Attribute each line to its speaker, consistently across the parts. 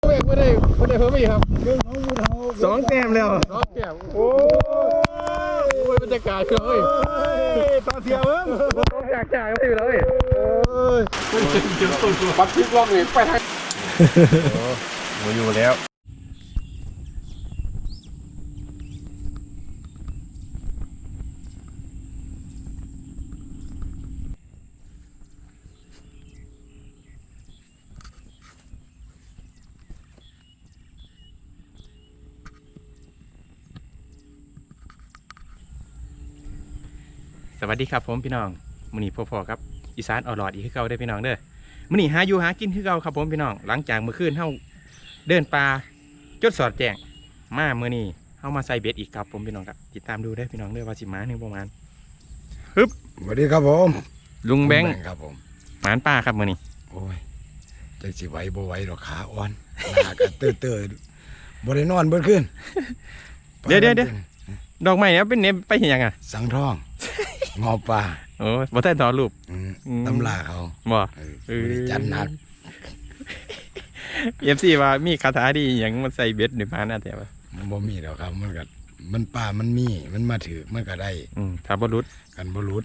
Speaker 1: ไม่ได้เพิ่มอีกครับ
Speaker 2: สองแต้มแล้ว
Speaker 1: น้องแก้มโอ้ยบรรยากาศเลยต่อเสียเพิ่มจากไม่อยู่เลยปัดพลิกล็อกนี่ไปทางโอ้อยู่แล้วสวัสดีครับผมพี่น้องมื้อนี้พ่อๆครับอีสานอร่อยอีกคือเก่าได้พี่น้องเด้อมื้อนี้หาอยู่หากินคือเก่าครับผมพี่น้องหลังจากเมื่อคืนเฮาเดินป่าจดสอดแจ้งมามื้อนี้เฮามาใส่เบ็ดอีกครับผมพี่น้องครับติดตามดูได้พี่น้องเด้อว่าสิมาหนึ่งประมาณฮึบ
Speaker 3: สวัสดีครับผม
Speaker 1: ลุงแบงค์
Speaker 3: ครับผม
Speaker 1: หมานป่าครับมื้อนี้
Speaker 3: โอ้ยจังสิไหวบ่ไหวดอกขาอ่อนหน้าก็เตื้อๆบ่ได้นอนเบิดคืน
Speaker 1: เดี๋ยวดอกไม้เนี่ยเป็นเนมไปเห็นยังอ่ะ
Speaker 3: สังทองงอปลา
Speaker 1: โอ้บ่ได้ถอดรูป
Speaker 3: ตำราเขา
Speaker 1: บ่
Speaker 3: บ่ได้จัดหนัก
Speaker 1: FC ว่ามีคาถาดีหยังมันใส่เบ็ดนี่มาน่าแต่ว่า
Speaker 3: บ่มีดอกครับมันก็มันป่ามันมีมันมาถือมันก็ได้
Speaker 1: ถ้าบ่รุด
Speaker 3: กันบ่รุด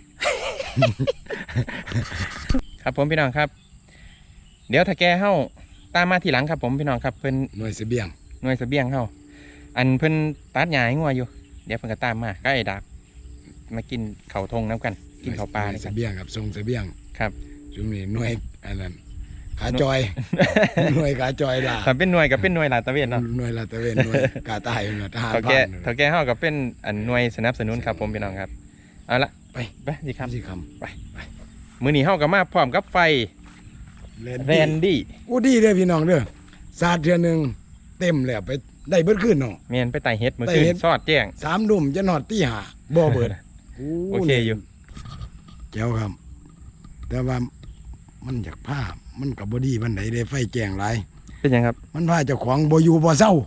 Speaker 1: ครับผมพี่น้องครับ เดี๋ยวถ้าแกเฮาตามมาทีหลังครับผมพี่น้องครับเพิ่น
Speaker 3: หน่วยเสบียง
Speaker 1: หน่วยเสบียงเฮาอันเพิ่นตัดหญ้าให้งัวอยู่เดี๋ยวเพิ่นก็ตามมาก็ไอ้ดาบมากินข้าวทงน้ำกันกินข้าวปลา
Speaker 3: หน่วย
Speaker 1: นี่
Speaker 3: เส
Speaker 1: กัน
Speaker 3: บียงครับส่งเสบียง
Speaker 1: ครับ
Speaker 3: ซุมนี้หน่วยอันนั้นขาจอย หน่วยขาจอยล่ะ
Speaker 1: ถ้าเป็นหน่วยก็เป็นหน่วยลาดตระเวนเนาะ
Speaker 3: หน่วยลาดตระเวนหน่วยกาใต้หน่วยทหาร
Speaker 1: เท่า
Speaker 3: ผ่าน
Speaker 1: เท่าแกเฮาก็เป็นอันหน่วยสนับสนุนครับผมพี่น้องครับเอาละ
Speaker 3: ไป
Speaker 1: สิครับ
Speaker 3: สิค
Speaker 1: มื้อนี้เฮาก็มาพร้อมกับไฟ
Speaker 3: ำ
Speaker 1: แรนดี้
Speaker 3: อู้ดีเด้อพี่น้องเด้อสาดเทื่อหนึงเต็มแล้วไปได้เบิดคืนเนาะ
Speaker 1: แม่นไปไต่เฮ็ดมื้อคืน
Speaker 3: ไต่เฮ็ด
Speaker 1: ซอดแจ้ง
Speaker 3: 3 ดุ่มจะนอดตีห้าบ่เบิด
Speaker 1: โอเคอยู่
Speaker 3: แจ๋วครับ แต่ว่ามันอยากผ้ามันก็บ่ดีปานใดเด้ไฟแจ้งหลาย
Speaker 1: เป็นหยังครับ
Speaker 3: มันพาเจ้าของบ่อยู่บ่เศร้า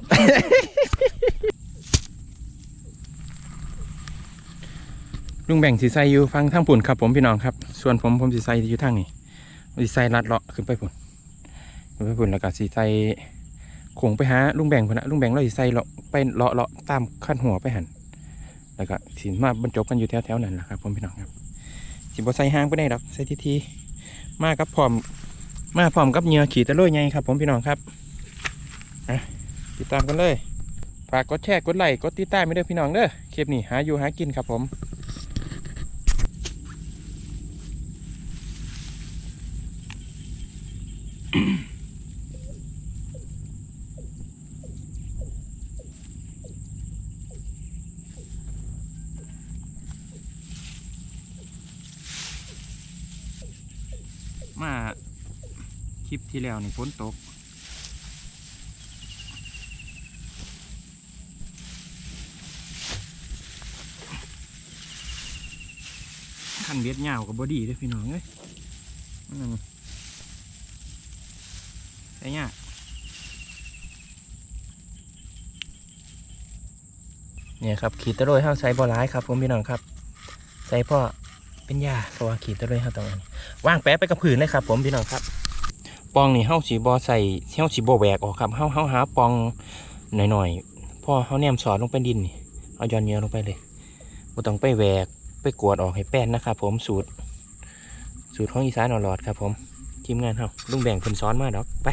Speaker 1: ลุงแบ่งสิใส่อยู่ฟังทางปุ่นครับผมพี่น้องครับส่วนผมสิใส่อยู่ทางนี้สิใส่ลัดเลาะขึ้นไปปุ่นแล้วก็สิใส่โขงไปหาลุงแบ่งพุ่นนะลุงแบ่งเราสิใส่เลาะไปเลาะตามขั้นหัวไปหันแล้วก็สิมาบรรจบกันอยู่แถวๆนั้นแหละครับผมพี่น้องครับสิบ่ใส่ห้างไปได้ดอกใส่ทีมากับพร้อมกับเหยื่อขี่ตะลุยไงครับผมพี่น้องครับติดตามกันเลยฝากกดแชร์กดไลค์กดติดตามไปด้วยพี่น้องเด้อคลิปนี้หาอยู่หากินครับผมมาคลิปที่แล้วนี่ฝนตกขันเบ็ดยาวกับบอดี้ด้วยพี่น้องเอ้ยใช่ยากเนี่ยครับขีดตะโรยห้าใส่บอร้ายครับผมพี่น้องครับใส่พ่อเป็นยาเพราะว่าขีดตะโรยห้าตรงนี้ว่างแปะไปกับผืนเลยครับผมพี่น้องครับปองนี่เฮาสีบอใส่เฮาสีบอแหวกออกครับเฮาหาปองหน่อยๆพ่อเฮาแนมสอดลงไปดินนี่เอาย้อนเนื้อลงไปเลยบ่ต้องไปแหวกไปกวดออกให้แป้นนะครับผมสูตรของอีสานอร่อยครับผมทีมงานเฮาลุงแบ่งเพิ่นซ้อนมาดอกไป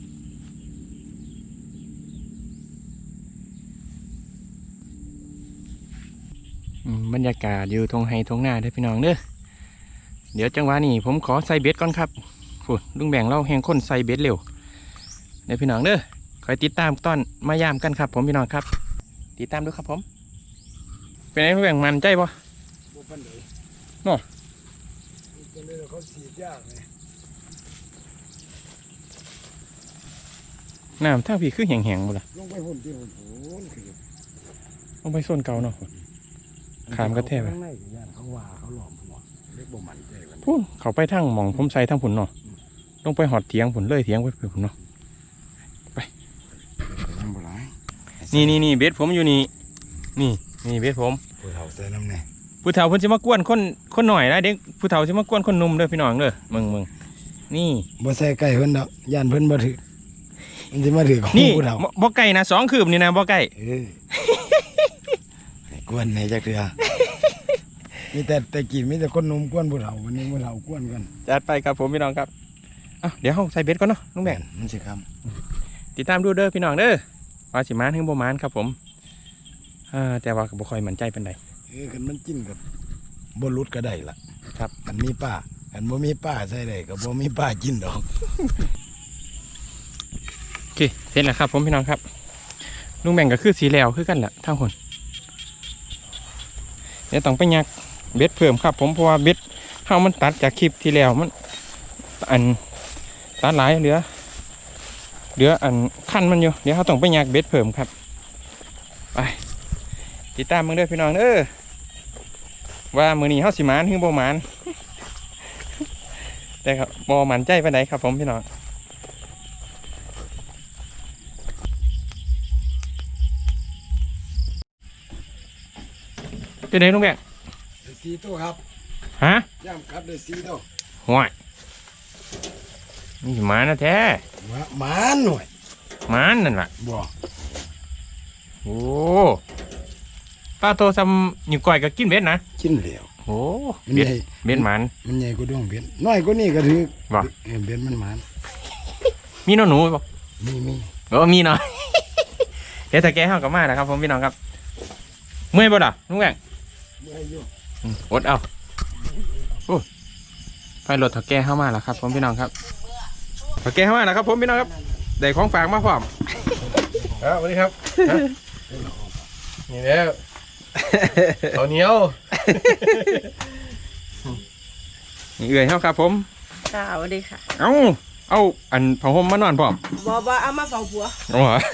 Speaker 1: บรรยากาศอยู่ทงไฮทงหน้าเด้อพี่น้องเด้อเดี๋ยวจังหวะนี้ผมขอใส่เบ็ดก่อนครับลุงแบ่งเราแหงคนใส่เบ็ดเร็วเดี๋ยวพี่น้องเด้อคอยติดตามตอนมายามกันครับผมพี่น้องครับติดตามดูครับผมเป็นไงลุงแบ่งมันใจปะ
Speaker 3: บ่ปานใด
Speaker 1: เนาะ
Speaker 3: ก็เลยเขาสีดยากไง
Speaker 1: น้ำทางพี่คือแห้งๆหมดละ
Speaker 3: ลงไปหุ่นที่หุ่นคือ
Speaker 1: ลงไปโซนเก่าเนาะขามกระแทกไป
Speaker 3: ข้างในย่านเขาว่าเขาหลอมหัวเล็กบ่มันใจกัน
Speaker 1: พูนเขาไปทางหมองผมใส่ทางผุนเนาะลงไปหอดเถียงผุนเลยเถียงไปผุนเนาะ
Speaker 3: น้ำบ่หลาย
Speaker 1: นี่เบ็ดผมอยู่นี่เบ็ดผม
Speaker 3: ผู้เฒ่าใส่น้ำแน่
Speaker 1: ผู้เฒ่าเพิ่นสิมากวนคนหน่อยนะเด็กผู้เฒ่าสิมากวนคนหนุ่มเด้อพี่น้องเด้อมึงนี่
Speaker 3: บ่ใส่ไก่เพิ่นดอกย่านเพิ่นบ่ถือมันจะมาถือของ
Speaker 1: นี่
Speaker 3: ผู้เฒ่า
Speaker 1: บ่ไก่นะ2 คืบนี่นะบ่ไก่
Speaker 3: ให้กวนในจักเถื่อมีแต่กินมีแต่คนหนุ่มกวนผู้เฒ่าวันนี้ผู้เฒ่ากวนกัน
Speaker 1: จัดไปครับผมพี่น้องครับเดี๋ยวเฮาใส่เบ็ดก่อนเนาะลุงแบ่ง
Speaker 3: มันสิครับ
Speaker 1: ติดตามดูเด้อพี่น้องเด้อว่าสิมานถึงบ่มานครับผมแต่ว่าก็บ่ค่อยมั่นใจปานใด
Speaker 3: คันมันจิ้นกับบ่หลุดก็ได้ล่ะ
Speaker 1: ครับ
Speaker 3: คันมีป้าคันบ่มีป้าใส่ได้ก็บ่มีป้ากินดอก
Speaker 1: โอเคเสร็จแล้วครับผมพี่น้องครับลุงแบ่งก็คือสีแล้วคือกันแหละทั้งคนเดี๋ยวต้องไปยักเบ็ดเพิ่มครับผมเพราะว่าเบ็ดเฮามันตัดจากคลิปที่แล้วมันอันตัดหลายเหลืออันขั้นมันอยู่เดี๋ยวเขาต้องไปยักเบ็ดเพิ่มครับไปติดตามมึงเด้อพี่น้องว่ามื้อนี้เฮาสิมานถึงบ่มาน แต่ครับบ่มั่นใจปานใดครับผมพี่น้องเป็นไงลุงแบง
Speaker 3: ได้4ตัวครับ
Speaker 1: ฮะ
Speaker 3: ย่ำครับได้4ตัว
Speaker 1: ห่วยนี่หมานะแท้
Speaker 3: หมาหน่อย
Speaker 1: หมานั่นล่ะ
Speaker 3: บ่
Speaker 1: โอ้ป้าโตซ้ำอยู่ก่อยก็กินเบ็ดนะ
Speaker 3: กินแล้ว
Speaker 1: โอ้
Speaker 3: มัน
Speaker 1: เบ็ด
Speaker 3: ใหญ่
Speaker 1: เบ็ดหมัน
Speaker 3: มันใหญ่กว่าดวงเบ็ดน้อยกว่านี้ก็ถือ
Speaker 1: บ่
Speaker 3: เบ็ดมันหมาน
Speaker 1: มีน้องหนูบ่
Speaker 3: มี
Speaker 1: มีหน่อย เดี๋ยวถ้าแกเข้ากับมานะครับผมพี่น้องครับเมื่อยบ่ล่ะลุงแบง
Speaker 3: บ่ให้อยู่
Speaker 1: อดเอาโอ้ไฟรถถ้าแกเข้ามาแล้วครับผมพี่น้องครับถ้าแกเข้ามาแล้วครับผมพี่น้องครับได้ของฝากมาพร้อม
Speaker 2: ครับสวัสดีครับนี่แล้วข้าวเหนียว
Speaker 1: นี่เอื่อยเฮาครับผม
Speaker 4: ค่ะสวัสดีค่ะ
Speaker 1: เอาอันผ้าห่มมานอนพร้อม
Speaker 4: บอเอามาเฝ้าผัว
Speaker 1: โอ้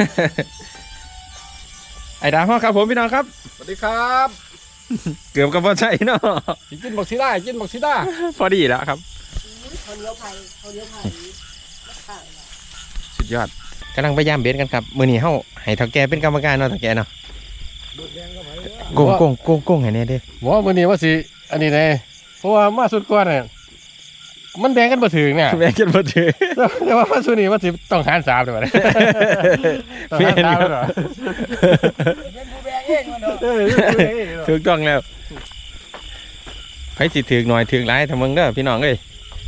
Speaker 1: ไอ้ดาวเฮาครับผมพี่น้องครับ
Speaker 2: สวัสดีครับ
Speaker 1: เกือบกับบ่ใช่เนาะ
Speaker 2: กินบักซีด้ากินบักซีด้า
Speaker 1: พอดีแล้วครับ
Speaker 4: เขาเลี้ยวไผ่เขาเลี้ยวไผ่
Speaker 1: สุดยอดกำลังพยายามเบสกันครับมื้อนี้เฮาให้เฒ่าแก่เป็นกรรมการเนาะเฒ่าแก่เนาะโกงให้แน่เด้อ
Speaker 2: บอกว่ามื้อนี้ว่าสิอันนี้แน่เพราะว่ามาสุดก่อนเนี่ยมันแบ่งกันบ่ถึงเนี่ย
Speaker 1: แม่กันบ่ถือ
Speaker 2: แต่ว่ามาสุดนี้ว่าสิต้องหาร3ด้วยวะต้องหาร3ด้วยเหรอ
Speaker 3: เป็นผู้แบกเองมันเนาะ
Speaker 1: ถูกต้องแล้วไผสิถือหน่อยถือหลายถ้ามึงเด้อพี่น้องเอ้ย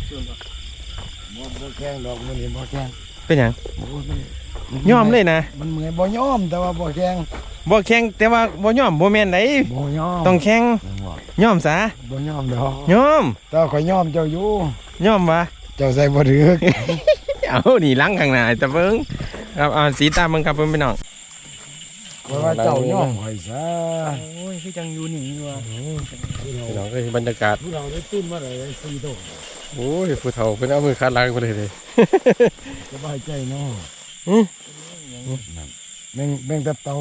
Speaker 3: บ่แข่งดอกมื้อนี้บ่แข่ง
Speaker 1: เป็นหยัง
Speaker 3: โอ้มัน
Speaker 1: ยอมเลยนะ
Speaker 3: มันเมื่อยบ่ยอมแต่ว่าบ่แข่ง
Speaker 1: บ่แข่งแต่ว่าบ่ยอมบ่แม่นได
Speaker 3: บ่ยอม
Speaker 1: ต้องแข่งยอมซะ
Speaker 3: บ่ยอมดอก
Speaker 1: ยอม
Speaker 3: แต่ว่าข่อยยอมเจ้าอยู่
Speaker 1: ยอมวะ
Speaker 3: เจ้าใส่บ่ถือ
Speaker 1: เอานี่ล้างข้างหน้าแต่เบิ่งครับเอาสีตามมึงครับเพิ่นพี่น้อง
Speaker 3: เพราะว่าเจ้ายอมข่อยซะ
Speaker 1: โอ้ยคือจังอยู่นี่ว่ะ
Speaker 2: พี่น้องก็บรรยากาศ
Speaker 3: ผู้เราได้ตุ้นมาเลย4ตัว
Speaker 2: โอ้ยผู้เฒ่าเพิ่นเอามือคาดหล้างไปเลย
Speaker 3: สบายใจเนาะ
Speaker 2: อื้อ
Speaker 3: แม่งแต่เตา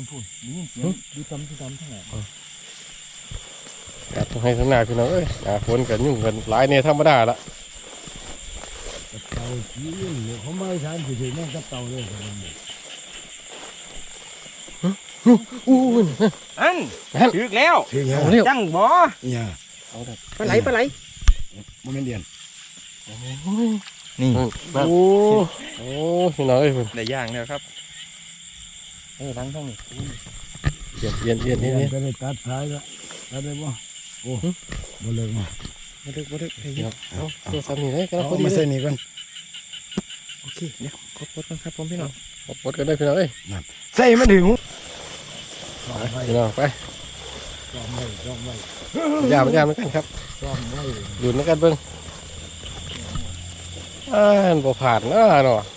Speaker 2: ครับต้องให้ข้างหน้าพี่น้องเอ้ยหน้าฝนกันยุ่งกันหลายเนี่ยธรรมดาละ
Speaker 3: เตาขี้เนี่ยเขาไม่ทานสิแม่งแต่เตาเลย
Speaker 2: อู้ย
Speaker 1: อันถึกแล้ว
Speaker 3: ถึงแล้ว
Speaker 2: เอาเร็ว
Speaker 1: จังบ่
Speaker 3: เนี่ย
Speaker 1: ปลาไหลปลาไหล
Speaker 3: บ่แม่นเดียน
Speaker 1: นี่
Speaker 2: โอ้โอ้พี่น้องเอ้ยเพิ่น
Speaker 1: ได้ย่างแล้วครับล้างทั้งนี้
Speaker 2: เย็นนี่
Speaker 3: ก็ได้ตัดสายแล้วตัดได้บ่โอ้บ่เลิกมา
Speaker 1: บ่ดึกบ่ดึก
Speaker 2: เอาตัวซ้ำนี่เลยก็
Speaker 3: เอา
Speaker 2: พอดี
Speaker 3: มา
Speaker 2: เล
Speaker 3: ใส่
Speaker 2: ย
Speaker 3: นี่ก่อน
Speaker 1: โอเคเดี๋ยวกดก่อนครับผมพี่น้อง
Speaker 2: ปลดกันได้พี่น้องเอ้ย
Speaker 3: ใส่มันถึง
Speaker 2: พี่น้องไป
Speaker 3: ซ่อมไว้ซ่อมไว้
Speaker 2: ยามเหมือนกันครับ
Speaker 3: ซ่อมไว้
Speaker 2: ดูเหมือนกันเบิ่งบ่ผ่านเนาะ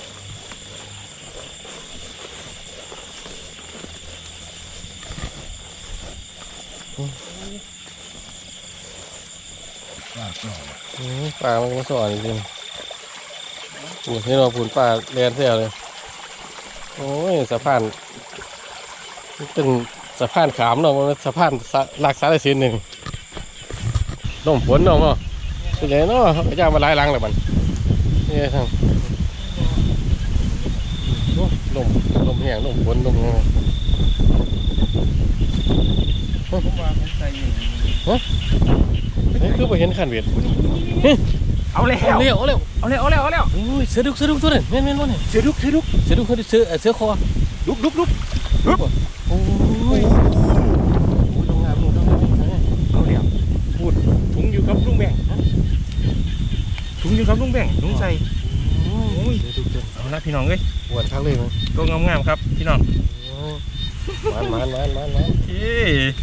Speaker 3: ปากซ่อม
Speaker 2: ปลามันก็สอนจริงๆปูนี่เราปูนปลาแลนเสียเลยโอ้ยสะพานมันเป็นสะพานขามเนาะมันเป็นสะพานหลักสารสินหนึ่งล่มฝนเนาะเป็นไงเนาะเขาก็ย่างมาหลายหลังเลยมันนี่ทางลมแห้งลมฝนลมแห้ง
Speaker 1: ผมว่าผมใส่อยู่
Speaker 2: นี่คือไปเห็นขันเวท
Speaker 1: เอาแล้ว
Speaker 2: เอาเร็วเอาเร็ว
Speaker 1: เอาแล้วเอาแล้วเอาแล้ว
Speaker 2: โอ้ยเสือดุกตัวนึงแม่นเนี่ย
Speaker 1: เสือดุก
Speaker 2: เสือดุกเขาเสือคอ
Speaker 1: ดุก
Speaker 2: โอ้ยลงงามลง
Speaker 1: เอาแล้วพูดถุงอยู่กับลุงแบ่งถุงอยู่กับลุงแบ่งถุงใส่โอ้ยเอาละพี่น้องเอ้ย
Speaker 2: หวานทักเลยมั้ง
Speaker 1: ตัวงามๆครับพี่น้อง
Speaker 2: มัน
Speaker 1: เอ้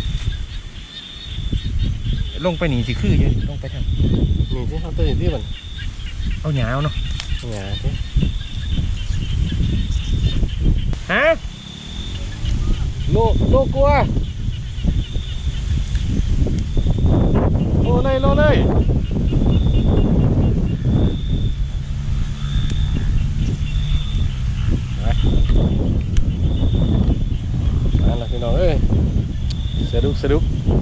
Speaker 1: ลงไปหนีสิคืออยู่ลงไปทาง
Speaker 2: นี่ที่เขาตื่นที่มัน
Speaker 1: เอาหยาวเนาะ
Speaker 2: หงาที่
Speaker 1: ฮะ
Speaker 2: โลกลัวโลเลยมาแล้วพี่น้องเอ้ยเสือดุก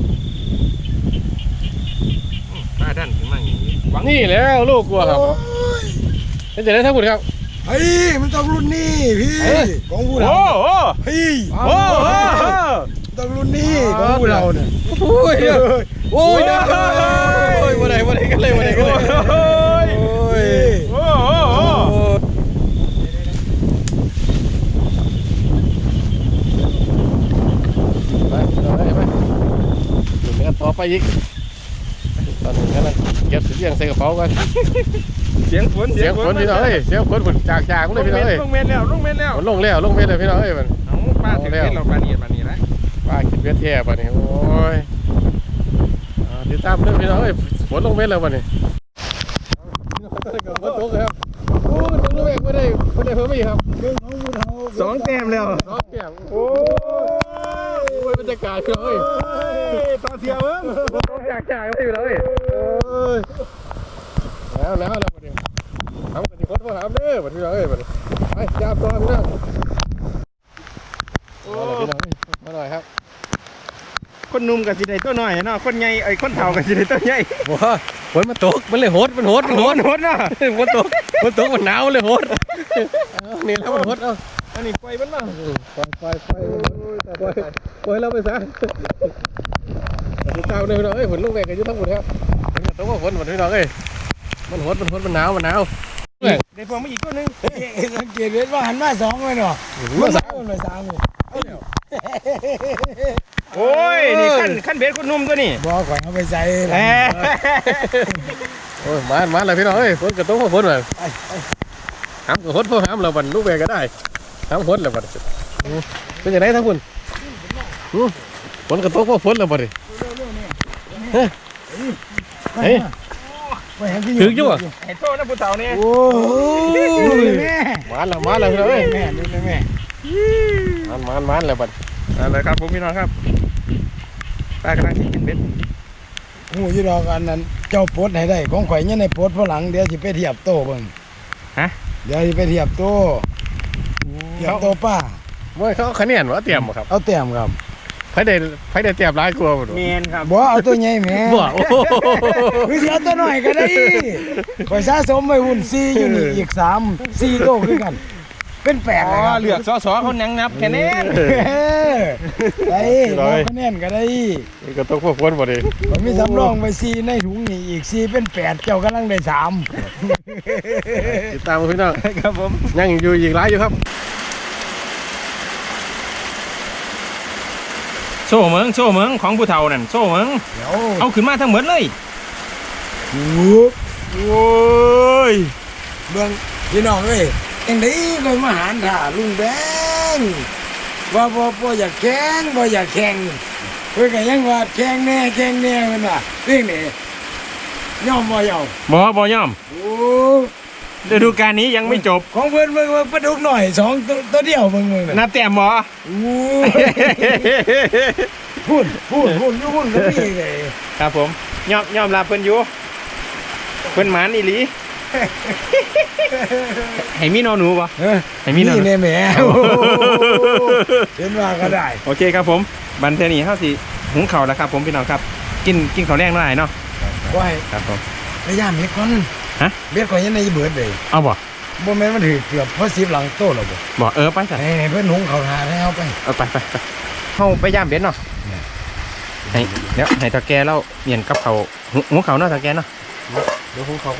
Speaker 1: ป้าดันขึ้นมาอย่างนี้หวัง
Speaker 2: นี่แล้วลูกกลัวครับเป็นจะได้ทั้งหมดครับ
Speaker 3: เฮ้ยมันต้องรุ่นนี้พี่ของผู้
Speaker 1: โอ้
Speaker 3: เรา
Speaker 1: โห
Speaker 3: เฮ้ย
Speaker 1: โอ้โห
Speaker 3: ต้องรุ่นนี้ของผู้เราเนี่ย
Speaker 2: โอ้ยโอ้ยมาไหนกันเลย
Speaker 1: โอ้ย
Speaker 3: โอ้ย
Speaker 1: โอ้โห
Speaker 2: ไปถึงกันต่อไปอีกตอนนี้กันเก็บเสียงใส่กระเป๋ากัน
Speaker 1: เสียงฝน
Speaker 2: พี่น้องเอ้ยเสียงฝนจากเลยพี่น้องเอ้ย
Speaker 1: ลงเมนแล้ว
Speaker 2: ลงเม็ดเลยพี่น้องเอ้ยมัน
Speaker 1: เอาป้าถึงเม็ดเราปานีแล้ว
Speaker 2: ป้ากินเวทแท้ป่ะนี่โอ้ยติดตามด้วยพี่น้องเอ้ยฝนลงเม็ดแล้วป่ะนี่ฝนตกครับโอ้ยตกด้วยไม่ได้เพิ่มอีกครับ
Speaker 1: สองแต้มแล้ว
Speaker 2: น้องแก้มโอ้ยบรรยากาศพี่น้องเอ้ย
Speaker 1: ต่อเสียวมึง
Speaker 2: จากเลยพี่น้องเอ้ยแล้วประเดี๋ยวทำกันที่คนมาถามเด้อพี่น้องเอ้ยไปจับตัวพี่น้องพี่น้องมาหน่อยครับ
Speaker 1: คนนุ่มกับสิได้ตัวน้อยเนาะคนใหญ่ไอ้คนเฒ่ากับสิได้ตัวใหญ่
Speaker 2: ว้าฝนมันตกมันเลยโหดมันโหด
Speaker 1: โหดเนาะ
Speaker 2: ฝนตกมันหนาวเลยโหดนี่แล้วมันโหดเอา
Speaker 1: อันนี้ปล่อยมันมา
Speaker 2: ปล่อยเราไปซะติดตามเลยพี่น้องเอ้ยฝนลูกแม่กันยุ่งทั้งหมดครับต้องว่าฝนพี่น้องเอ้ยมันโหดมันหนาว
Speaker 1: ได้พวงมาอีกตัวนึง
Speaker 3: สังเกตเห็นว่าหันมาสองเลยเนาะ
Speaker 2: มาสาม
Speaker 3: เลยสามเลย
Speaker 1: โอ้ยนี่ขั้นเบ็ดคนนุ่มตัวนี้
Speaker 3: บอกก่อนเอาไปใส่
Speaker 1: แหม
Speaker 2: โอ้ยมาเลยพี่น้องเอ้ยฝนกระตุ้งฝนเลยห้ามกระหดเพราะห้ามเราบันลูกแม่ก็ได้ห้ามฝนเลยบันเป็นยังไงทั้งคุณฝนกระตุ้งเพราะฝนเลยบันเฮ้ยถึงอยู่อ่ะ
Speaker 1: ไอ้โทษนะผู้เฒ่านี่
Speaker 3: โอ้ยแม่
Speaker 2: มาแล้วพี่น้องเอ้ย
Speaker 3: แม่ดูแม่
Speaker 2: มันเลยบัด
Speaker 1: อะไรครับผมพี่น้องครับป้ากำลังกินเบ็ด
Speaker 3: หูยี่ดอกอันนั้นเจ้าปลดให้ได้ของข่อยเนี่ยในปลดพลังเดี๋ยวสิไปเทียบโตเบิ่งเดี๋ยวสิไปเทียบโตป้า
Speaker 2: เมื่อเขาคะแนนว่าเตรียมครับ
Speaker 3: เอาแต้มครับ
Speaker 2: ไผได้เตรียมร้ายกลัวบ่
Speaker 1: เมนครับ
Speaker 3: บ่เอาตัวใหญ่แม่
Speaker 2: บ่โอ้
Speaker 3: คือสิเอาตัวน้อยก็ได้ข่อยสะสมไว้หุ่น4อยู่นี่อีก4โตคือกันเป็น8เลยครับ
Speaker 1: เหลือกสอเขานังนับแค่นี้
Speaker 3: ได้เราคะแนนก็ได้
Speaker 2: ก็ต้องพวกคนบ่ดิ
Speaker 3: ผมมีสำรองไป4ในถุงนี่อีก4เป็น8เจ้ากำลังได้3
Speaker 2: ติดตามพี่น้อง
Speaker 1: ครับผม
Speaker 2: ยังอยู่อีกหลายอยู่ครับ
Speaker 1: โซ่เมืองของผู้เฒ่านั่นโซ่เมือง
Speaker 3: เดี๋ยว
Speaker 1: เอาขึ้นมาทั้งหมดเลย โอ้ย
Speaker 3: เบิ่งพี่น้องเอ้ยจังได๋ก็มาหารท่าลุงแบงว่าบ่อยากแข่งบ่อยากแข่งเพิ่นก็ยังว่าแข่งแน่เพิ่นว่าเรื่องนี้ยอมบ่ยอม
Speaker 1: บ่ยอม
Speaker 3: โอ้
Speaker 1: ฤดูกาลนี้ยังไม่จบ
Speaker 3: ของเพิ่นเบิ่งปลาดุกหน่อย2ตัวเดียวเบิ่งน่ะ
Speaker 1: นับแต้มบ่
Speaker 3: โอ้พูดอยู่พูดก็มีเลย
Speaker 1: ครับผมยอมรับเพิ่นอยู่เพิ่นหมานอีหลีให้มีนอหนูบ่ให้มีนอหนู
Speaker 3: นี่แหม่เห็นว่าก็ได้
Speaker 1: โอเคครับผมบันเทอนี้เฮาสิหุงข้าวแล้วครับผมพี่น้องครับกินข้าวแรงหน่อยเนาะ
Speaker 3: ว่าให้
Speaker 1: ครับผม
Speaker 3: พยายามเฮ็ดก่อน
Speaker 1: ฮะ
Speaker 3: เบ็ดก่อนยังในเบิดเลย
Speaker 1: เอาบ่
Speaker 3: บ่แม่นมันถือเกือบพอ10หลังโตแล้วบ่
Speaker 1: บ่ไปจ้ะ
Speaker 3: ให้เพิ่นหุงข้าวทาให้เอาไป
Speaker 1: เอาไปเฮาไปย่ามเบ็ดเนาะให้เดี๋ยวให้ตาแกเราเมียนกับเขาวหุงข้าวเนาะตาแกเนาะ
Speaker 2: ดี๋ยวผมเขาก็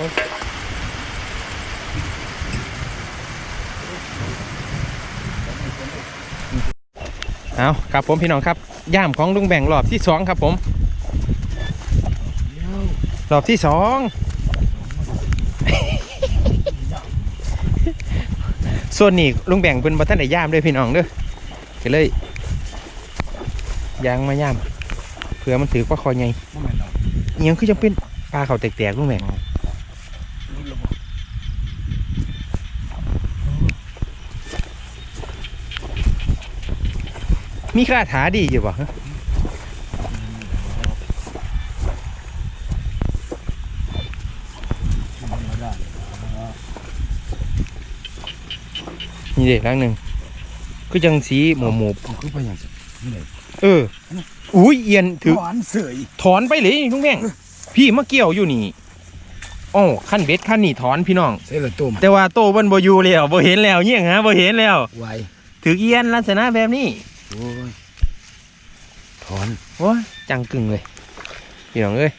Speaker 1: เอาครับผมพี่น้องครับย่ามของลุงแบ่งรอบที่สองครับผมรอบที่สอง ส่วนนี้ลุงแบ่งเป็นบัตรได้ย่ามด้วยพี่น้องเด้อก็เลยยางมาย่ามเผื่อมันถือว่าคอใหญ่เอียงคือจะเป็นปลาเขาแตกๆลุงแบ่งมีคาถาดีอยู่ป่ะนี่เด็กครั้งหนึ่งคือจังสีหมู
Speaker 3: คือไปอย่างนี้เลย
Speaker 1: อุ้ยเอียนถือ
Speaker 3: หวานเสย
Speaker 1: ถอนไปเลยลุงแม่งพี่มาเกี่ยวอยู่นี่อ๋อขั้นเบ็ดขั้นนี่ถอนพี่น้อง
Speaker 3: เสยละต้ม
Speaker 1: แต่ว่าโตบนบ่อยู่แล้วบ่เห็นแล้วเงี้ยฮะบ่เห็นแล้ว
Speaker 3: ไว
Speaker 1: ถือเอียนลักษณะแบบนี้
Speaker 3: โอ้ยถอน
Speaker 1: โอ้ยจังกึ่งเลยพี่น้องเอ้ย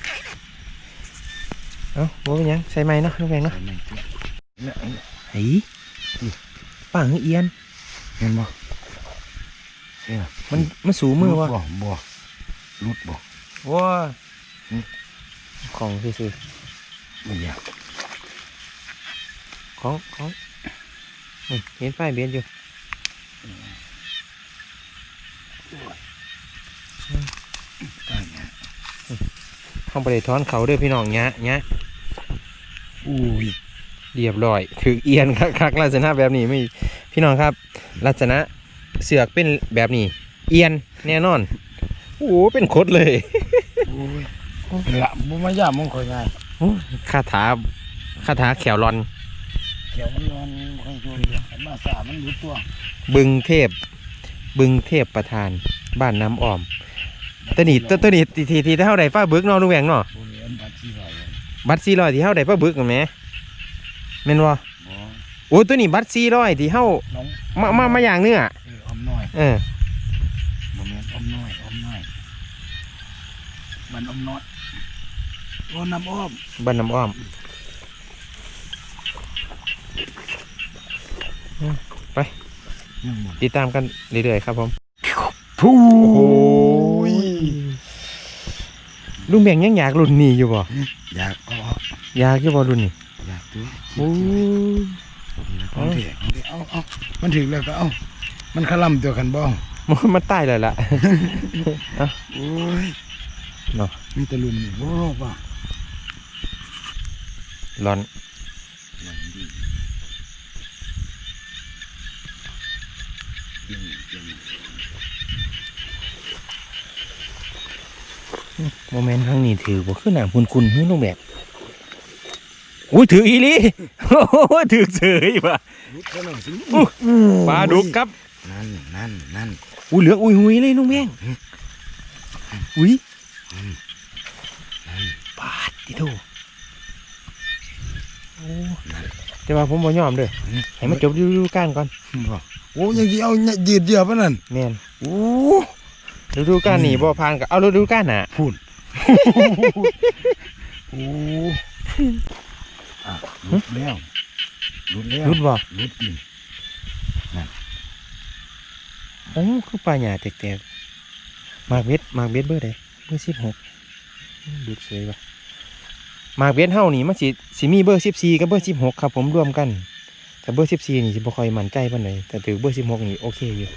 Speaker 1: เอ้าบ่เป็นหยังใส่ไม้เนาะลุงแม่งเนาะ
Speaker 3: เนี่ย
Speaker 1: ไอ้ป่างเอียน
Speaker 3: เห็นบ่
Speaker 1: มันสูมือวะ
Speaker 3: บ่รุดบ่
Speaker 1: ว้าของซื่อ
Speaker 3: ไม่อยาก
Speaker 1: ๆของนี่เห็นไฟเบียนอยู่
Speaker 3: ได้เนี่ย
Speaker 1: ห้องประเดี๋ยวถอนเขาเด้อพี่น้องเนี้ย
Speaker 3: อุ้ย
Speaker 1: เรียบร้อยถือเอียนคักลักษณะแบบนี้ไม่พี่น้องครับ ลักษณะเสือกเป็นแบบนี้ เอียนแน่นอนโอ้โหเป็นคดเลย
Speaker 3: โอ้ยละบ่มาย่ามมงคอยง่าย
Speaker 1: คาถาแขวรอน
Speaker 3: เขียวมันร้อนค่อยโยนมาสามันรู้ตัว
Speaker 1: บึงเทพประธานบ้านน้ำอ้อมตัวนี้ที่เท่าใดฟ้าบึกเนาะลุงแหวงเนาะ
Speaker 3: โอ้ยอันบัดที่ไหว
Speaker 1: บัตร400ที่เท่าใดฟ้าบึกกันไหมแม่นบ่
Speaker 3: บ่
Speaker 1: โอ้ตัวนี้บัตร400ที่เท่า
Speaker 3: น้อง
Speaker 1: มาอย่างเนื้อ
Speaker 3: อมน้อย
Speaker 1: เออ
Speaker 3: บ่แม่นอมน้อยมันอมน้อยโอ้น้ำอ้อม
Speaker 1: บ้านน้ำอ้อมไป
Speaker 3: ยังบ่
Speaker 1: ติดตามกันเรื่อยๆครับผม
Speaker 3: พูย
Speaker 1: ลุงแบ่งยังอยากรุ่นนี้อยู่บ่
Speaker 3: อยากเอา
Speaker 1: อยากอยู่บ่รุ่นนี้
Speaker 3: อยากตัว
Speaker 1: โอ้ย
Speaker 3: ของเถอะเอามันถึงแล้วก็เอามันขล่ำตัวกันบ้อง
Speaker 1: มันตายเลยล่ะ
Speaker 3: โอ้ย
Speaker 1: เนาะ
Speaker 3: มีตะลุมนี่โอ้ป่ะ
Speaker 1: ร้อนโมเมนต์ครั้งนี้ถือบ่คือหนังคุณๆเฮ้ยลุงแบกอุ้ยถืออีหลี โอ้โหถือเสยว่ะ
Speaker 3: ลุกซะหน่อยสิ
Speaker 1: ปลาดุกครับ
Speaker 3: นั่น
Speaker 1: อุ้ยเหลืองอุ้ยหุยเลยลุงแบงอุ้ยปาดที่โถโอ้แต่ว่าผมบ่ยอมเด้อให้มันจบฤดูกาลก่อน
Speaker 3: บ่โอ้ยังกี่เอายืดเดียวปะนั่น
Speaker 1: แม่น
Speaker 3: โอ้
Speaker 1: ฤดูกาลนี้บ่ผ่านก็เอาฤดูกาลหน้า
Speaker 3: พูดโอ้ลุดแล้ว
Speaker 1: รุดบ่
Speaker 3: ลุดอีก
Speaker 1: โอ้คือปลาหญ้าแตกๆมากเบ็ดเบอร์ใดเบอร์16ดูดสวยว่ะมากเบ็ดเฮานี่มันสิมีเบอร์14กับเบอร์16ครับผมรวมกันแต่เบอร์14นี่สิบ่ค่อยมั่นใจปานใดแต่ถือเบอร์16นี่โอเคอยู่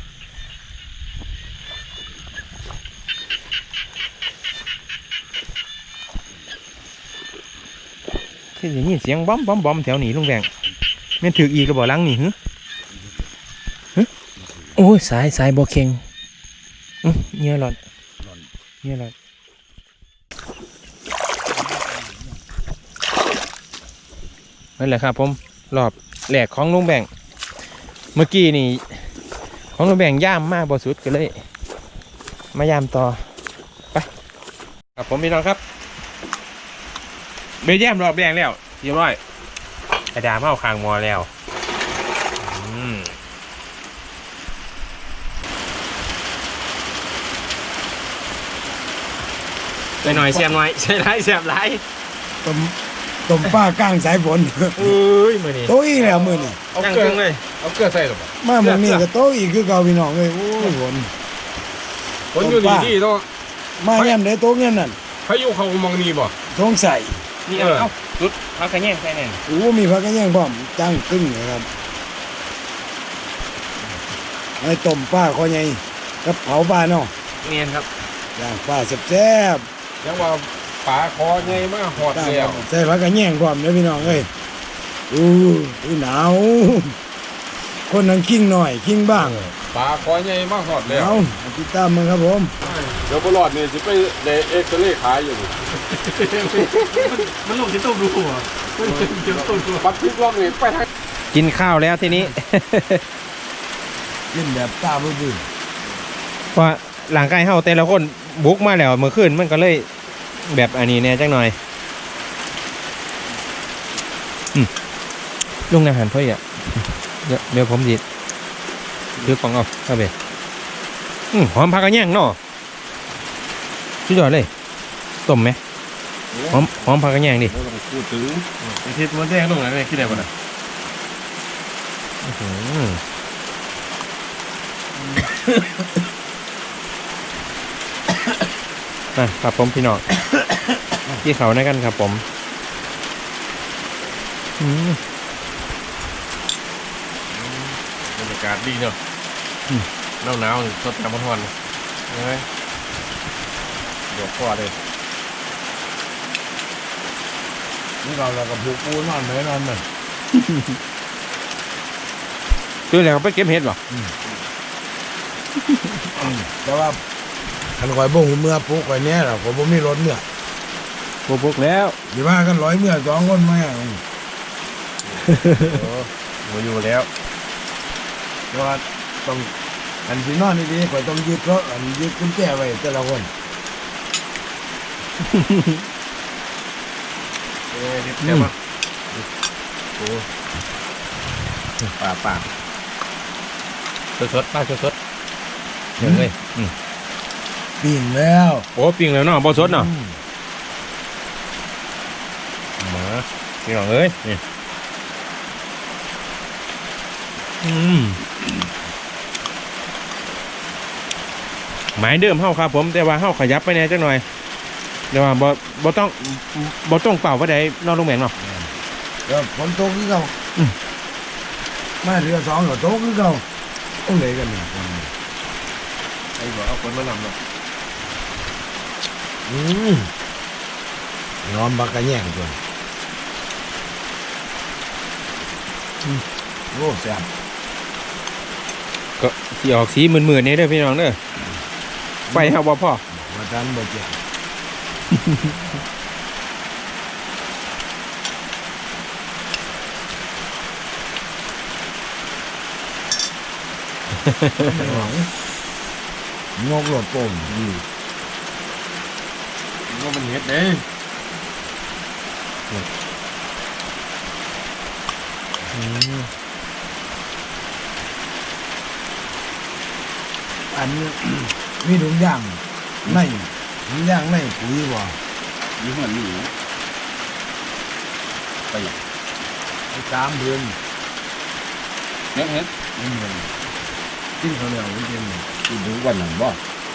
Speaker 1: คืออย่างนี้เสียงบ๊อมแถวนี้ลุงแบงแม่นถืออีกก็บ่ลังนี่หึโอ้ยสายบ่เค็งเงี้ยหลอนนั่นแหละครับผมรอบแหลกของลุงแบงเมื่อกี้นี่ของลุงแบงย่ามมากบ่สุดก็เลยมาย่ามต่อไปครับผมพี่น้องครับเบลย่ามรอบแดงแล้วเรียบร้อยกระดาษเมาคางมอแล้วไปหน่อยเสียบหน่อยใช่ไรเสียบไร
Speaker 3: ต้มต้มปลากลางสายฝน
Speaker 1: เอ้ยมื้อนี้
Speaker 3: โตอีกแล้วมื้อนี้
Speaker 2: เอา
Speaker 1: ย่าง
Speaker 2: เกลื
Speaker 1: ค
Speaker 2: อ
Speaker 1: รึ่งเลย
Speaker 2: เอาเกลือใส่หรอปะ
Speaker 3: มามื้อนี้ก็โตอีกคือเก่าพี่น้องเอ้ยโอ้ยฝน
Speaker 2: คนอยู่นี่ที่ต้อง
Speaker 3: มายามใดโตเงี้ยนั่น
Speaker 2: พายุเขามองนี่บ่
Speaker 3: ท้องใส่
Speaker 1: นี่เอาจุดพักกระแยงใส่แน่น
Speaker 3: โอ้มีผักกระแยงพร้อมจังตึ้งนะครับไอ้ต้มปลาคอใหญ่กับเผาปลาเนาะ
Speaker 1: เนียนครับ
Speaker 3: ย่างปลาแซ่บ
Speaker 2: ยังว่าปลาคอใหญ่มากหอด
Speaker 3: ๆตั้ง
Speaker 2: แล้ว
Speaker 3: ใส่ผักกระแยงพร้อมเด้อพี่น้องเอ้ยอู้หนาวคนนั้นกิ้งหน่อยกิ้งบ้าง
Speaker 2: ปลาคอใหญ่มากหอดแล้ว
Speaker 3: เอาติดตามมึงครับผม
Speaker 2: เดี๋ยวบลอดนี่จะไปเดเอ็กซเรย์ขายอยู่
Speaker 1: มันลงที่ต้มดูหัว
Speaker 2: ปัดพลิกล็อกนี่ไปทาง
Speaker 1: กินข้าวแล้วทีนี้
Speaker 3: กินแบบตาบื้อ
Speaker 1: เพราะหลังกายเฮาแต่ละคนบุกมาแล้วเมื่อคืนมันก็เลยแบบอันนี้แน่จังหน่อยลุงอาหารเพื่ออ่ะเดี๋ยวผมดิซื้อของเอาเข้าไปหอมผักกระแยงเนาะสุดยอดเลยต้มไหมหอมผักกระแยงดิ
Speaker 2: ไม่ต้องพูดถึง
Speaker 1: ไอทิศมันแดงลงไหนคิดได้ป่ะนะครับผมพี่น้องที่เขาในกันครับผม
Speaker 2: บรรยากาศดีเนาะหนาวๆสดน้ำร้อนๆใช่ไหมเดี๋ยวพ่อเลย
Speaker 3: ๆนี่เราก็ผูกปูนอนเลยนอนมัน
Speaker 1: คือแล้วไปเก็บเห็ดหรอ
Speaker 3: แต่ว่าคันคอยบ่งเมื่อปลูกไว้เนี้ยเราก็บ่มีรถเมื่อ
Speaker 1: พวกแล้ว
Speaker 3: อยู่ว่ากัน100เมื่อ2คนมา
Speaker 2: มาอยู่แล้ว
Speaker 3: แต่ว่าต้องอันที่นอนดีๆข่อยต้องยึดรถอันยึดกุญแจไว้แต่ละคน
Speaker 2: นิดเดียวมั้งโอ้ป่า
Speaker 1: สดๆป้าสดๆเดี๋ยวเลย
Speaker 3: ปิ้งแล้ว
Speaker 1: โอ้ปิ้งแล้วเนาะบ่สดเนาะมาพี่น้องเอ้ยนี่หมายเดิมเฮาครับผมแต่ว่าเฮาขยับไปแน่จังหน่อยเดี๋ยวว่าบ่ต้องเป่าว่าใดนอนลงแม่นเนาะ
Speaker 3: แล้วฝนตกคือเก่ามาเรือ2ก็ตกคือเก่าต้องเลยกันนี่
Speaker 2: ไอ้บอกเอาคนมานำเนาะ
Speaker 3: ยอมบักกะแย่งตัวโอ้แซ่บ
Speaker 1: ก็สิออกสีมึนๆนี่เด้อพี่น้องเด้อไฟเฮาบ่พอ
Speaker 3: มาทันบ่เจ็บงกหลดโป่ง
Speaker 2: ว่ามันเฮ็ดเด้
Speaker 3: อันนี้ มีถุงย่างในถุงย่างในปุ๋ยบ่
Speaker 2: ยี่ห้อนี้ไป
Speaker 3: 3 เดือน
Speaker 2: เฮ็ด
Speaker 3: กินข้าวเหนียวกิน
Speaker 2: กินถึงวันหนึ่งบ่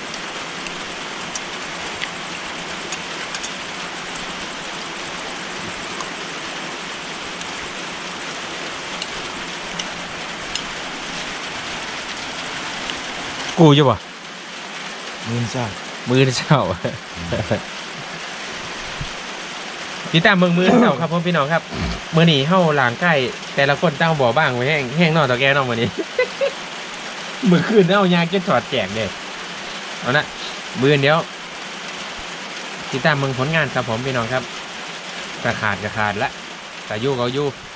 Speaker 1: กูอยู่บ่
Speaker 3: มื้อซ่า
Speaker 1: มือเช้า ติดตามมือเช้าครับพ่อพี่น้องครับมื้อนี้เฮาหลางใกล้แต่ละคนตั้งบ่อบ้างไว้แห้งนอกตะแกนอกมื้อนี้ มื้อคืนเอายากินถอดแจกเด้เอานะมื้อเดียวติดตามผลงานครับผมพี่น้องครับกระขาดละแต่อยู่ก็อยู่